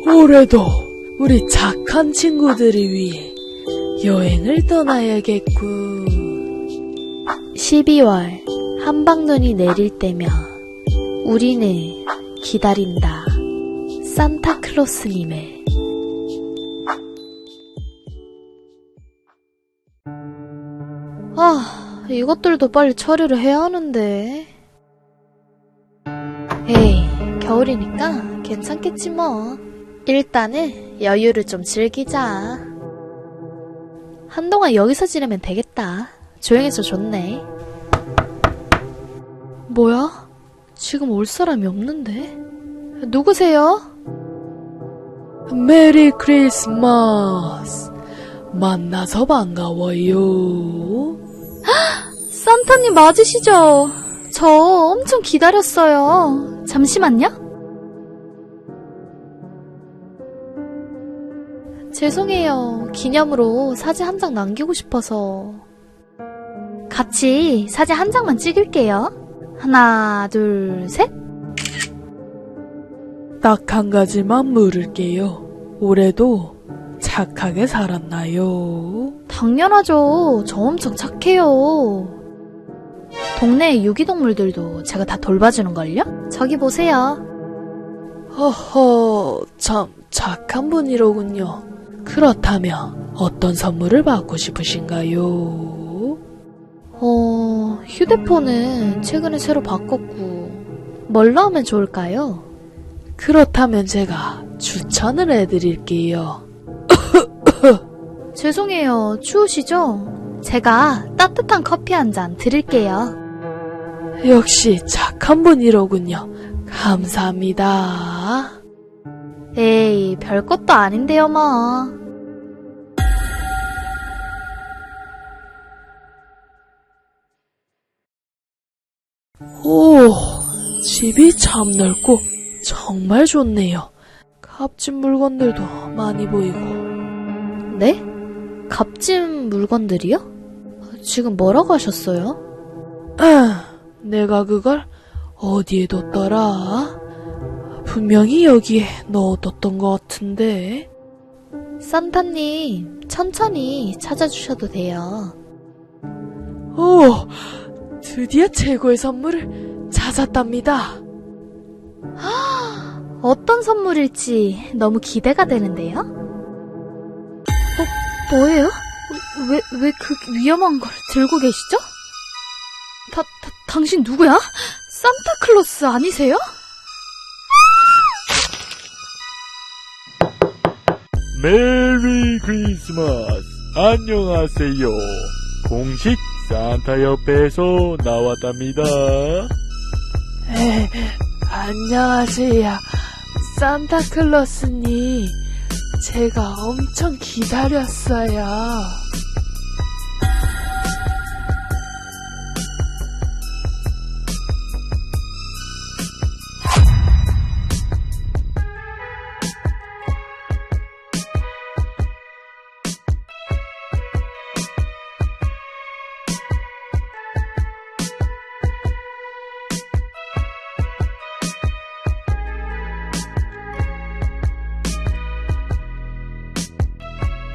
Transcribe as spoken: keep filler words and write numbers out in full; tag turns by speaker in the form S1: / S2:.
S1: 올해도 우리 착한 친구들을 위해 여행을 떠나야겠군.
S2: 십이월 한방눈이 내릴 때면 우리는 기다린다. 산타클로스님의. 아, 이것들도 빨리 처리를 해야 하는데. 에이, 겨울이니까 괜찮겠지 뭐. 일단은 여유를 좀 즐기자. 한동안 여기서 지내면 되겠다. 조용해서 좋네. 뭐야? 지금 올 사람이 없는데? 누구세요?
S1: 메리 크리스마스. 만나서 반가워요.
S2: 산타님 맞으시죠? 저 엄청 기다렸어요. 잠시만요. 죄송해요. 기념으로 사진 한 장 남기고 싶어서. 같이 사진 한 장만 찍을게요. 하나, 둘, 셋.
S1: 딱 한 가지만 물을게요. 올해도 착하게 살았나요?
S2: 당연하죠. 저 엄청 착해요. 동네 유기동물들도 제가 다 돌봐주는걸요? 저기 보세요.
S1: 허허, 참 착한 분이로군요. 그렇다면 어떤 선물을 받고 싶으신가요?
S2: 어, 휴대폰은 최근에 새로 바꿨고 뭘로 하면 좋을까요?
S1: 그렇다면 제가 추천을 해드릴게요.
S2: 죄송해요. 추우시죠? 제가 따뜻한 커피 한 잔 드릴게요.
S1: 역시 착한 분이로군요. 감사합니다.
S2: 에이, 별것도 아닌데요 뭐.
S1: 오, 집이 참 넓고 정말 좋네요. 값진 물건들도 많이 보이고.
S2: 네? 값진 물건들이요? 지금 뭐라고 하셨어요?
S1: 아, 내가 그걸 어디에 뒀더라? 분명히 여기에 넣어뒀던 것 같은데.
S2: 산타님, 천천히 찾아주셔도 돼요.
S1: 오, 드디어 최고의 선물을 찾았답니다.
S2: 어떤 선물일지 너무 기대가 되는데요? 어, 뭐예요? 왜, 왜 그 위험한 걸 들고 계시죠? 다, 다, 당신 누구야? 산타클로스 아니세요?
S3: 메리 크리스마스. 안녕하세요. 공식 산타 옆에서 나왔답니다.
S1: 에, 안녕하세요. 산타클로스님. 제가 엄청 기다렸어요.